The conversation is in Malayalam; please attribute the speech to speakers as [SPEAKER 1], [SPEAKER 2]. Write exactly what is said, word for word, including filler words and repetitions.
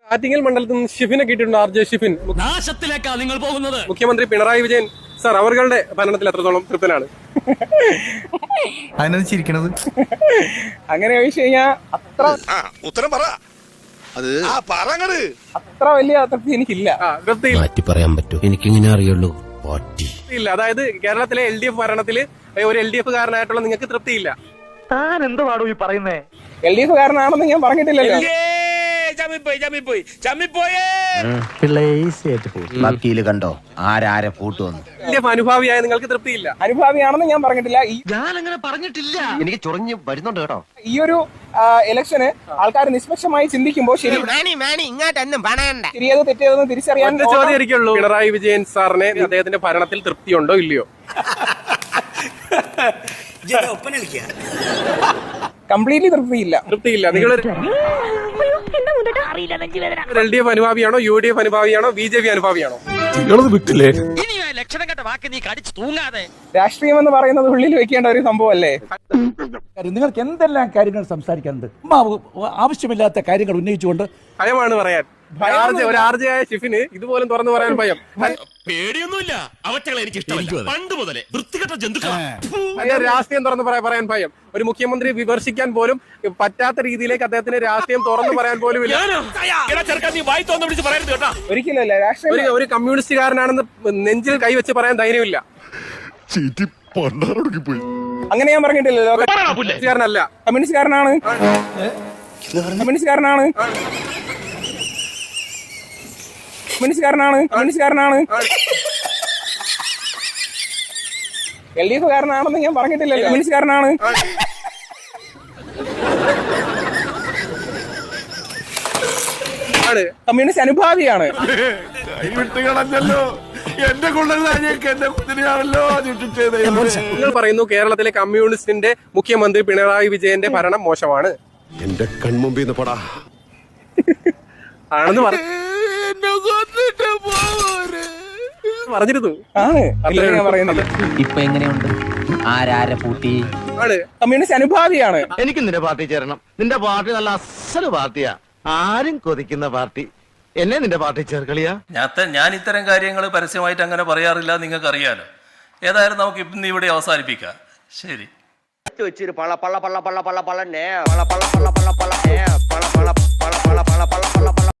[SPEAKER 1] ആറ്റിങ്ങൽ മണ്ഡലത്തിൽ നിന്ന് ഷിഫിനെ കിട്ടിയിട്ടുണ്ട്. R J Shifin.
[SPEAKER 2] നാശത്തിലേക്കാണ് നിങ്ങൾ പോകുന്നത്.
[SPEAKER 1] മുഖ്യമന്ത്രി പിണറായി വിജയൻ സാർ അവരുടെ ഭരണത്തിൽ എത്രത്തോളം തൃപ്തനാണ്?
[SPEAKER 3] അതിനാണ് ചിരിക്കണത്.
[SPEAKER 4] അങ്ങനെ ചോദിച്ചു കഴിഞ്ഞാൽ അത്ര
[SPEAKER 5] ഉത്തരം പറ. അത്
[SPEAKER 4] അത്ര വലിയ തൃപ്തി എനിക്കില്ല.
[SPEAKER 1] തൃപ്തിയില്ല.
[SPEAKER 2] മാറ്റി പറയാൻ പറ്റൂ, എനിക്കിങ്ങനെ അറിയുള്ളൂ.
[SPEAKER 1] ഇല്ല, അതായത് കേരളത്തിലെ എൽ ഡി എഫ് ഭരണത്തില് ഒരു എൽ ഡി എഫ് കാരനായിട്ടുള്ള നിങ്ങൾക്ക് തൃപ്തിയില്ല.
[SPEAKER 6] താൻ എന്തുവാടോ ഈ പറയുന്നേ?
[SPEAKER 4] എൽ ഡി എഫ് കാരനാണെന്ന് ഞാൻ പറഞ്ഞിട്ടില്ലല്ലോ.
[SPEAKER 7] വക്കീല് കണ്ടോ ആരാരെ പൂട്ടുവന്നു.
[SPEAKER 1] എൽ ഡി എഫ് അനുഭാവിയായ നിങ്ങൾക്ക് തൃപ്തിയില്ല.
[SPEAKER 4] അനുഭാവിയാണെന്ന് ഞാൻ പറഞ്ഞിട്ടില്ല. ഈ
[SPEAKER 6] ഞാൻ അങ്ങനെ പറഞ്ഞിട്ടില്ല.
[SPEAKER 7] എനിക്ക് ചൊറിഞ്ഞ് വരുന്നുണ്ട് കേട്ടോ.
[SPEAKER 4] ഈ ഒരു ഇലക്ഷന് ആൾക്കാർ നിഷ്പക്ഷമായി ചിന്തിക്കുമ്പോൾ ശരി ശരിയത് തെറ്റിയതെന്ന് തിരിച്ചറിയാൻ
[SPEAKER 1] ഒറ്റ ചോദ്യം ഇരിക്കുള്ളൂ. പിണറായി വിജയൻ സാറിനെ അദ്ദേഹത്തിന്റെ ഭരണത്തിൽ തൃപ്തിയുണ്ടോ ഇല്ലയോ?
[SPEAKER 4] കംപ്ലീറ്റ്ലി തൃപ്തിയില്ല.
[SPEAKER 1] തൃപ്തിയില്ല. നിങ്ങൾ എൽ ഡി എഫ് അനുഭാവിയാണോ, യു ഡി എഫ് അനുഭാവിയാണോ, ബി ജെ പി അനുഭാവിയാണോ?
[SPEAKER 3] വിട്ടില്ലേ?
[SPEAKER 2] ലക്ഷണം കെട്ട വാക്ക് നീ കടിച്ചു തൂങ്ങാതെ.
[SPEAKER 4] രാഷ്ട്രീയം എന്ന് പറയുന്നത് ഉള്ളിൽ വെക്കേണ്ട ഒരു സംഭവമല്ലേ?
[SPEAKER 8] നിങ്ങൾക്ക് എന്തെല്ലാം കാര്യങ്ങൾ സംസാരിക്കാനുണ്ട്? ആവശ്യമില്ലാത്ത കാര്യങ്ങൾ ഉന്നയിച്ചുകൊണ്ട്
[SPEAKER 1] ഭയമാണ് പറയാൻ. ഒരു ആർജയായ ഷിഫിന് ഇതുപോലും തുറന്നു പറയാൻ ഭയം.
[SPEAKER 2] പേടിയൊന്നുമില്ല, അവറ്റകളെ എനിക്ക് ഇഷ്ടമല്ല. പണ്ട് മുതലേ വൃത്തികെട്ട ജന്തുക്കളാണ്.
[SPEAKER 1] രാഷ്ട്രീയം തുറന്നു പറയാൻ ഭയം. ഒരു മുഖ്യമന്ത്രി വിമർശിക്കാൻ പോലും പറ്റാത്ത രീതിയിലേക്ക് അദ്ദേഹത്തിന് രാഷ്ട്രീയം തുറന്നു പറയാൻ പോലും ഇല്ല.
[SPEAKER 4] ഒരിക്കലല്ല. രാഷ്ട്രീയം
[SPEAKER 1] ഒരു കമ്മ്യൂണിസ്റ്റുകാരനാണെന്ന് നെഞ്ചിൽ കൈവച്ച് പറയാൻ ധൈര്യമില്ല.
[SPEAKER 4] അങ്ങനെ ഞാൻ പറഞ്ഞിട്ടില്ലല്ലോ.
[SPEAKER 1] കമ്മ്യൂണിസ്റ്റുകാരനല്ല.
[SPEAKER 4] കമ്മ്യൂണിസ്റ്റുകാരനാണ്. കമ്മ്യൂണിസ്റ്റുകാരനാണ്. കമ്മ്യൂണിസ്റ്റുകാരനാണ്. കമ്മ്യൂണിസ്റ്റുകാരനാണ്. എൽ ഡി എഫ് കാരനാണെന്ന് ഞാൻ പറഞ്ഞിട്ടില്ലല്ലോ. കമ്മ്യൂണിസ്റ്റുകാരനാണ്. കമ്മ്യൂണിസ്റ്റ് അനുഭാവിയാണ്.
[SPEAKER 1] നിങ്ങൾ പറയുന്നു കേരളത്തിലെ കമ്മ്യൂണിസ്റ്റിന്റെ മുഖ്യമന്ത്രി പിണറായി വിജയന്റെ ഭരണം മോശമാണ്.
[SPEAKER 5] എന്റെ കൺമുമ്പിൽ നിന്ന് പടാ
[SPEAKER 1] ആണെന്ന് പറഞ്ഞിരുന്നു.
[SPEAKER 4] ആണ് ഞാൻ പറയുന്നത്.
[SPEAKER 7] ഇപ്പൊ എങ്ങനെയുണ്ട്? ആരാരെ പൂട്ടി?
[SPEAKER 1] ആണ്
[SPEAKER 4] കമ്മ്യൂണിസ്റ്റ് അനുഭാവിയാണ്.
[SPEAKER 6] എനിക്ക് നിന്റെ പാർട്ടി ചേരണം. നിന്റെ പാർട്ടി നല്ല അസല് പാർട്ടിയാ, ആരും കൊതിക്കുന്ന പാർട്ടി. എന്നെ നിന്റെ പാർട്ടി ചേർക്കളിയാ.
[SPEAKER 9] ഞാൻ ഇത്തരം കാര്യങ്ങൾ പരസ്യമായിട്ട് അങ്ങനെ പറയാറില്ല, നിങ്ങൾക്ക് അറിയാലോ. ഏതായാലും നമുക്ക് ഇന്ന് ഇവിടെ അവസാനിപ്പിക്കാം. ശരി.
[SPEAKER 7] വെച്ചൊരു പള്ള പള്ള പള്ള പള്ള പള്ള പള്ള പള്ള പള്ള പള്ള പള്ള പള്ള പള്ള